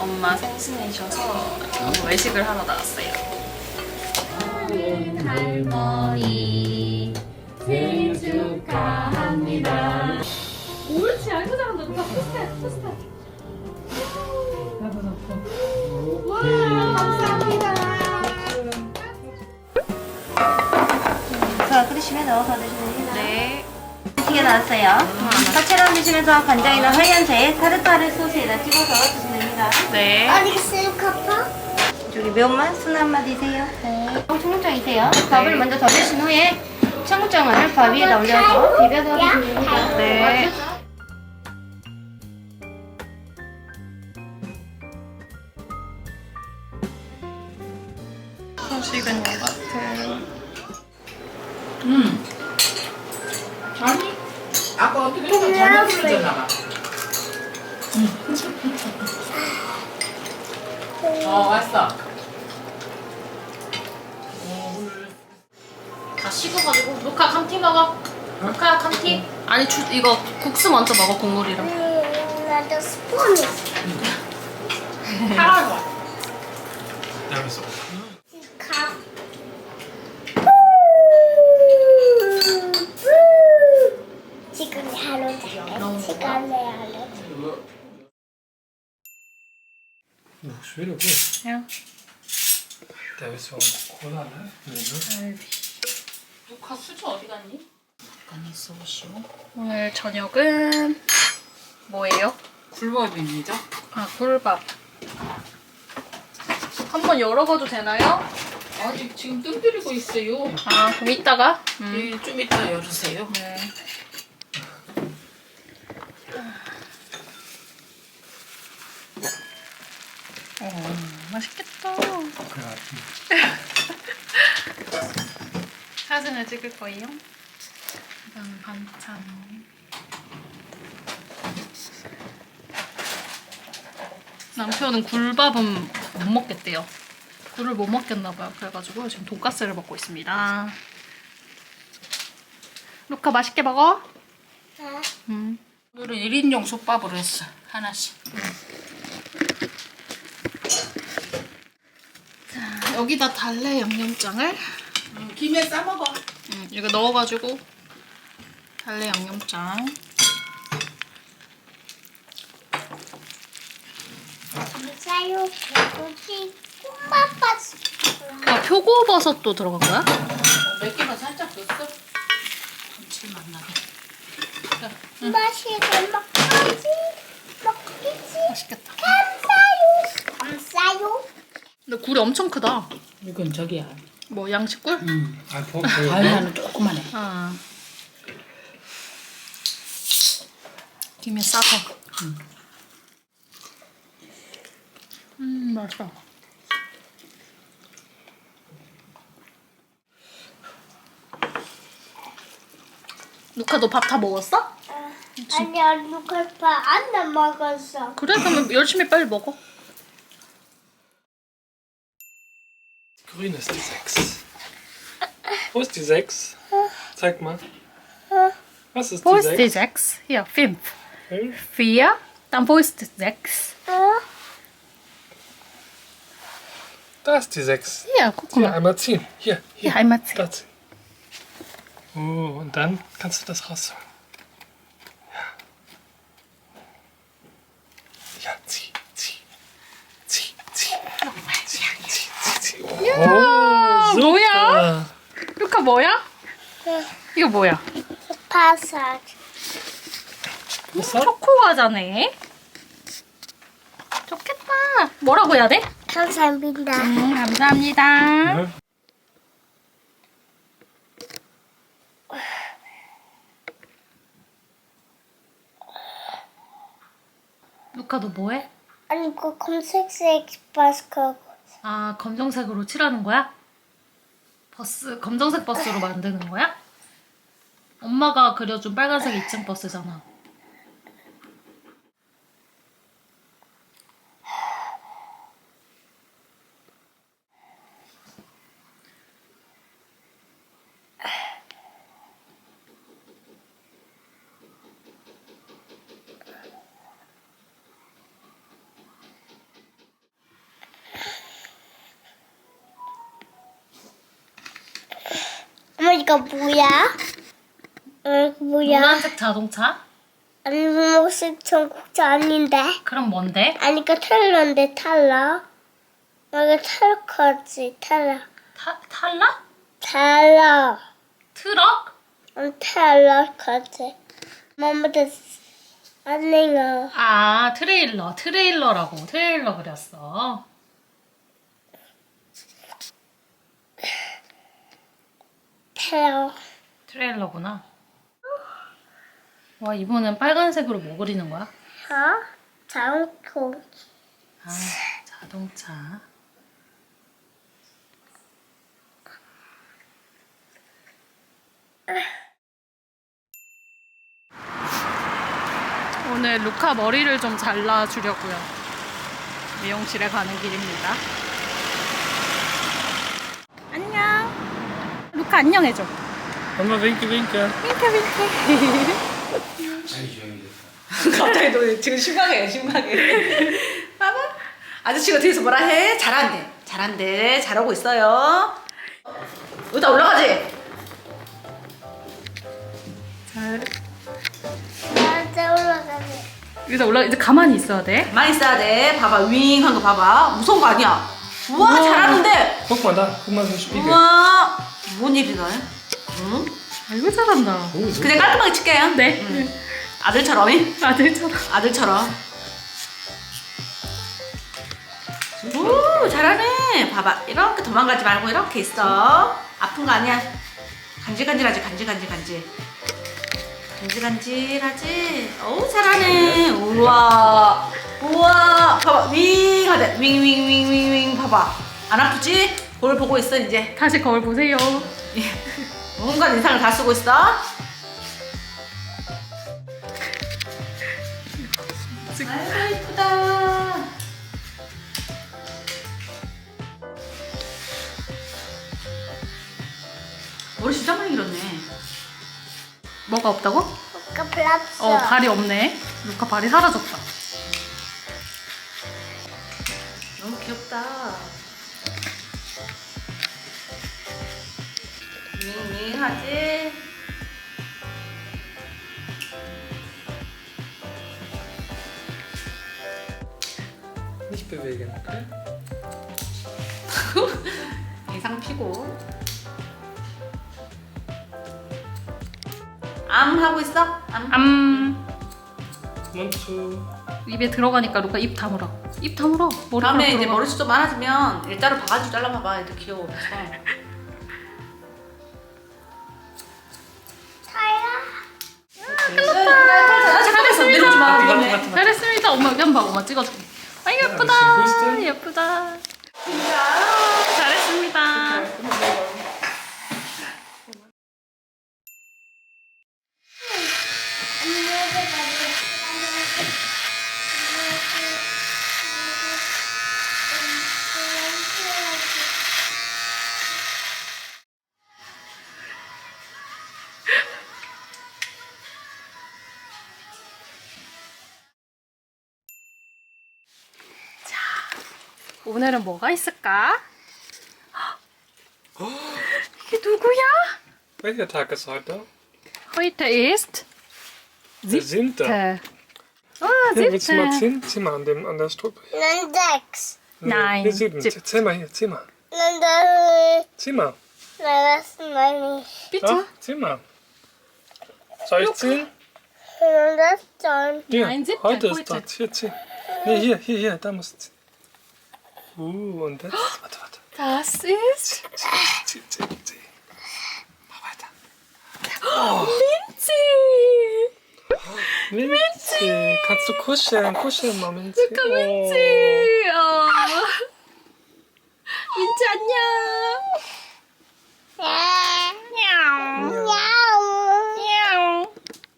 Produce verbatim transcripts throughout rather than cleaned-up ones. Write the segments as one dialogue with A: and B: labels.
A: 엄마 생신이셔서 외식을 하러 나왔어요. 할머니 생일 축하합니다. 옳지, 아이고 잘한다. 누가 포스트해, 포스트해. 나도 넣고. 와, 감사합니다.
B: 자, 끓이시면 넣어서 드시면 됩니다.
A: 네.
B: 튀겨 나왔어요. 사채로 드시면서 간장이나 하얀자에 타르타르 소스에다 찍어서 드시면 됩니다.
A: 네.
C: 알겠어요, 카파?
B: 저기 매운맛 순 한마 드세요. 네. 청국장이세요. 밥을 먼저 더 드신 후에 청국장을 밥 위에다 올려서 비벼서 드시면 됩니다.
A: 네. 소식은 요거트.
D: 음. 아니, 아까 어떻게 좀 잘못 부르잖아. 어, 왔어.
A: 다 식어가지고. 루카 감튀 먹어. 루카 감튀. 아니 주, 이거 국수 먼저 먹어, 국물이랑.
C: 음, 나도 스푼 있어.
D: 사과로.
E: 여기서
C: 카. 지금 하루 잘해. 시간에 하루.
E: schön gut.
A: Ja.
E: Der ist so Cola, ne? Nee, ne?
A: 루카 수저 어디 갔니?
D: 간이 쏘시오.
A: 오늘 저녁은 뭐예요?
D: 굴밥입니다.
A: 아, 굴밥. 한번 열어봐도 되나요?
D: 아직 지금 뜸 들이고 있어요.
A: 아, 그럼 이따가? 음.
D: 예, 좀 이따 열으세요.
A: 네. 어, 맛있겠다. 사진을 찍을 거예요. 그다음 반찬. 남편은 굴밥은 못 먹겠대요. 굴을 못 먹겠나봐요. 그래가지고 지금 돈가스를 먹고 있습니다. 루카 맛있게 먹어?
C: 네.
A: 음.
D: 오늘은 일 인용 솥밥으로 했어. 하나씩.
A: 자, 여기다 달래 양념장을
D: 음, 김에 싸먹어.
A: 음, 이거 넣어가지고 달래 양념장.
C: 감사요. 개고기 꼬마빠스.
A: 아, 표고버섯도 들어간 거야?
D: 어, 몇 개만 살짝 넣었어. 감칠맛 나게.
C: 맛있게 먹지. 먹기지.
A: 맛있겠다.
C: 감사요. 감사요.
A: 근데 굴이 엄청 크다.
D: 이건 저기야.
A: 뭐 양식굴?
D: 음.
E: Ein Punkt. äh,
D: 발라는 조그만해.
A: 아. 김에 싸서.
D: 음.
A: 음, 맛있어. 루카 너 밥 다 먹었어?
C: 아니야, 누가 밥안 먹었어.
A: 그래? 그러면 열심히 빨리 먹어.
E: Grün ist die sechs. Wo ist die sechs? Zeig mal. Was ist
A: Wo
E: die
A: ist die
E: sechs?
A: sechs? Hier, fünf.
E: Fünf.
A: vier. Dann wo ist die sechs?
E: Da ist die sechs.
A: Hier, guck
E: Hier,
A: mal.
E: einmal ziehen. Hier, hier.
A: Hier einmal ziehen.
E: Da ziehen. Oh, und dann kannst du das rausholen. Ja. Ja, zieh, zieh. Zieh, zieh. Zieh, zieh, zieh, zieh. Oh, super.
A: 뭐야? 루카 뭐야? 이거 뭐야?
C: 바삭.
A: 초코 과자네. 좋겠다. 뭐라고 해야 돼?
C: 감사합니다.
A: 음, 감사합니다.
E: Ne?
A: 루카 너 뭐해?
C: 아니, 그 검색색 바스크.
A: 아, 검정색으로 칠하는 거야? 버스, 검정색 버스로 만드는 거야? 엄마가 그려준 빨간색 이 층 버스잖아.
C: 이거 뭐야? 어, 뭐야?
A: 노란색 자동차?
C: 아니, 무슨 전국자 아닌데?
A: 그럼 뭔데?
C: 아니, 그 텔러인데, 텔러. 여기 텔러까지, 텔러.
A: 타, 탈라?
C: 텔러.
A: 트럭?
C: 응, 텔러까지. 뭐뭐도 아니가.
A: 아, 트레일러. 트레일러라고. 트레일러 그렸어.
C: 텔러.
A: 트레일러구나. 와, 이번엔 빨간색으로 뭐 그리는 거야?
C: 어? 자동차.
A: 아, 자동차. 오늘 루카 머리를 좀 잘라주려고요. 미용실에 가는 길입니다. 안녕. 루카 안녕해줘.
E: Mama, winke, winke.
D: 갑자기 너 지금 심각해 심각해. 봐봐. 아저씨가 뒤에서 뭐라 해? 잘한대. 잘한대. 잘하고 있어요. 여기다 올라가지.
A: 잘.
C: 나한테 올라가네.
A: 여기다 올라 이제 가만히 있어야 돼.
D: 가만히 있어야 돼. 봐봐. 윙 한 거 봐봐. 무서운 거 아니야. 우와,
A: 우와.
D: 잘하는데.
E: Guck mal da, guck mal so ein Spiegel.
D: 우와. 뭔 일이다. 응?
A: 아이고 잘한다.
E: Oh, so.
D: 그냥 깔끔하게 칠게요.
A: 네.
D: 응. 아들처럼.
A: 아들처럼.
D: 아들처럼. 오, 잘하네. 봐봐. 이렇게 도망가지 말고 이렇게 있어. 아픈 거 아니야. 간질간질하지, 간질간질, 간질. 간질간질하지. 오, 잘하네. 우와. 우와. 봐봐. 윙 하자. 윙, 윙, 윙, 윙, 윙. 봐봐. 안 아프지? 볼 보고 있어, 이제.
A: 다시 거울 보세요.
D: 온갖 인상을 다 쓰고 있어. 아이고, 이쁘다. 머리 진짜 많이 길었네.
A: 뭐가 없다고?
C: 아까 플랍스.
A: 어, 발이 없네. 루카 발이 사라졌다.
D: 너무 귀엽다. 밍밍하지?
E: Nicht bewegen, okay?
D: 인상 피고. 암 하고 있어? 암.
A: 암.
E: Mund zu.
A: 입에 들어가니까 루카 입 다물어. 입 다물어. 머리
D: 다음에 이제 머리숱 좀 많아지면 일자로 바가지 잘라봐봐. 애들 귀여워. 그래서.
A: 잘했습니다.
E: 맞다, 맞다.
A: 잘했습니다. 엄마 여기 한번 봐. 엄마 찍어줄게. 아 예쁘다.
E: 보이스트?
A: 예쁘다. 잘했습니다. 오늘은 뭐가 있을까? 이게 누구야?
E: Welcher Tag ist heute?
A: Heute ist
E: Der siebte.
A: siebte. Ah,
E: Hier, willst du mal
A: siebte.
E: ziehen? Zieh mal an, dem, an der Struppe.
C: 난 sechs.
E: Nee,
A: Nein,
E: Hier sieben.
A: sieb-
E: Zähl mal hier, zieh mal.
C: 난 다,
E: Zieh mal.
C: 나 das meine ich.
A: Bitte.
E: Ja, zieh mal. Soll ich ziehen?
C: 난 das dann.
E: Hier,
A: Nein, siebte,
E: heute ist
A: heute.
E: das. Hier, zieh. Nee, hier, hier, hier, da musst du ziehen. Uh, und jetzt. Warte, warte.
A: Das ist
E: Zieh, zieh, zieh. Mach weiter.
A: Minzi.
E: Minzi. Kannst du kuscheln? Kuscheln mal, Minzi. Oh.
A: 민지. 어. 민지 안녕.
C: Miau. Miau.
A: 안녕.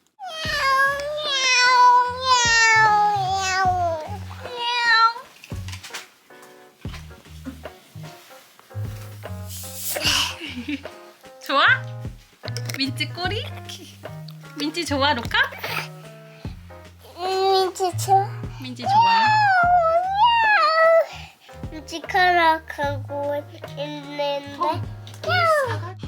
A: 좋아? 민지 꼬리? 민지 좋아, 루카?
C: 민지 좋아.
A: 민지 좋아.
C: 민지 카락하고 있는데.